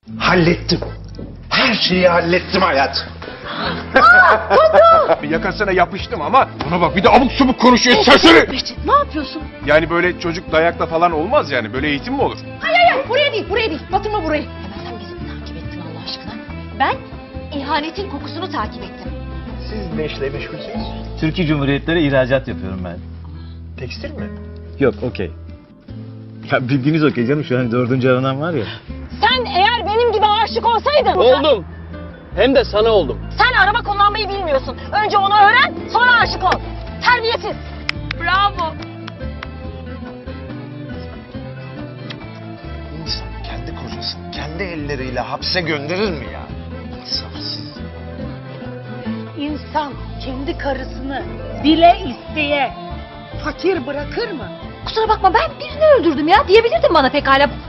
Hallettim. Her şeyi hallettim hayat. Yakasına yapıştım ama ona bak bir de abuk subuk konuşuyor serseri. Behçet ne yapıyorsun? Yani böyle çocuk dayakla falan olmaz yani. Böyle eğitim mi olur? Hayır buraya değil batırma burayı. Hemen sen bizi mi takip ettin Allah aşkına? Ben ihanetin kokusunu takip ettim. Siz ne işle meşgulsünüz? Türkiye Cumhuriyetleri ihracat yapıyorum ben. Tekstil mi? Yok, okey. Ya bildiğiniz okey canım, şu an 4. aranan var ya. Sen eğer benim gibi aşık olsaydın... Oldum. Hem de sana oldum. Sen araba kullanmayı bilmiyorsun. Önce onu öğren, sonra aşık ol. Terbiyesiz. Bravo. İnsan kendi kocasını kendi elleriyle hapse gönderir mi ya? İnsafsız. İnsan kendi karısını bile isteye fakir bırakır mı? Kusura bakma ben birini öldürdüm ya diyebilirdin bana pekala.